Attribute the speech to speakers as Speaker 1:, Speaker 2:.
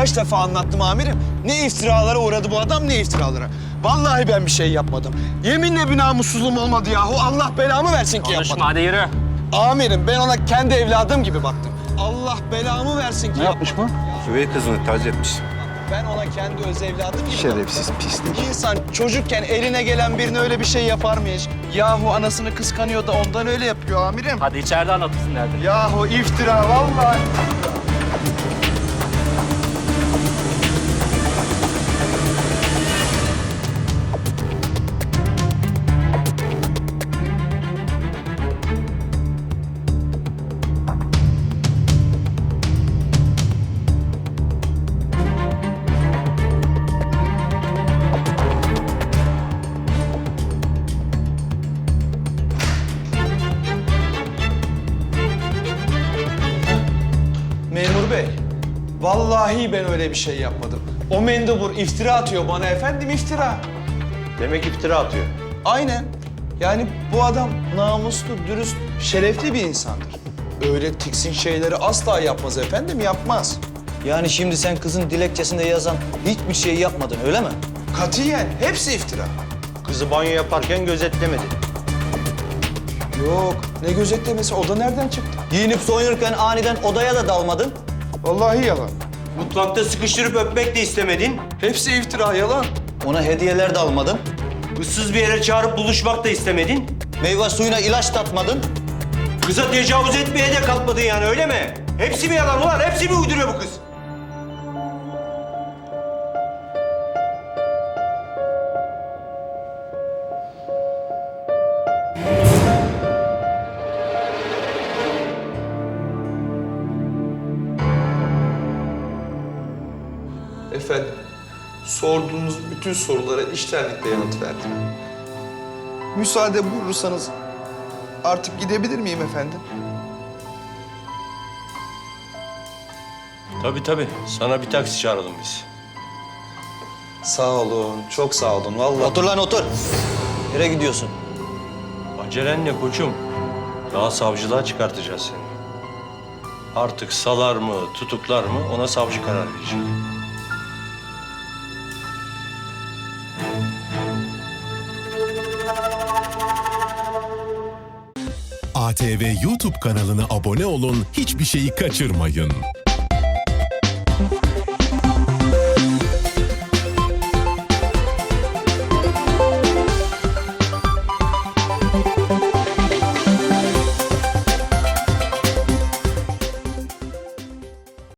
Speaker 1: Kaç defa anlattım amirim. Ne iftiralara uğradı bu adam, ne iftiralara. Vallahi ben bir şey yapmadım. Yeminle bir namussuzluğum olmadı yahu. Allah belamı versin ki
Speaker 2: Konuşma,
Speaker 1: yapmadım.
Speaker 2: hadi yürü.
Speaker 1: Amirim ben ona kendi evladım gibi baktım. Allah belamı versin ki
Speaker 3: Ne yapmış bu?
Speaker 4: Üvey kızını taciz etmiş.
Speaker 1: Ben ona kendi öz evladım gibi
Speaker 4: Şerefsiz pislik.
Speaker 1: baktım. İnsan çocukken eline gelen birine öyle bir şey yapar mı hiç? Yahu anasını kıskanıyor da ondan öyle yapıyor amirim.
Speaker 2: Hadi içeride anlatırsın derdini.
Speaker 1: Yahu iftira vallahi. Memur bey, vallahi ben öyle bir şey yapmadım. O mendebur iftira atıyor bana efendim, iftira.
Speaker 4: Demek iftira atıyor.
Speaker 1: Aynen. Yani bu adam namuslu, dürüst, şerefli bir insandır. Öyle tiksin şeyleri asla yapmaz efendim, yapmaz.
Speaker 3: Yani şimdi sen kızın dilekçesinde yazan hiçbir şey yapmadın öyle mi?
Speaker 1: Katiyen hepsi iftira.
Speaker 4: Kızı banyo yaparken gözetlemedi.
Speaker 1: Yok, ne gözetlemesi, o da nereden çıktı?
Speaker 3: Giyinip soyunurken aniden odaya da dalmadın.
Speaker 1: Vallahi yalan.
Speaker 4: Mutfakta sıkıştırıp öpmek de istemedin.
Speaker 1: Hepsi iftira, yalan.
Speaker 3: Ona hediyeler de almadın.
Speaker 4: Issız bir yere çağırıp buluşmak da istemedin.
Speaker 3: Meyve suyuna ilaç tatmadın.
Speaker 4: Kıza tecavüz etmeye de kalkmadın yani öyle mi? Hepsi mi yalan ulan? Hepsi mi uyduruyor bu kız?
Speaker 1: Efendim, sorduğunuz bütün sorulara içtenlikle yanıt verdim. Müsaade buyurursanız artık gidebilir miyim efendim?
Speaker 4: Tabii. Sana bir taksi çağıralım biz.
Speaker 1: Sağ olun, çok sağ olun vallahi.
Speaker 3: Otur lan otur. Nereye gidiyorsun?
Speaker 4: Acelen ne koçum? Daha savcılığa çıkartacağız seni. Artık salar mı, tutuklar mı ona savcı karar verecek.
Speaker 5: ATV YouTube kanalına abone olun, hiçbir şeyi kaçırmayın.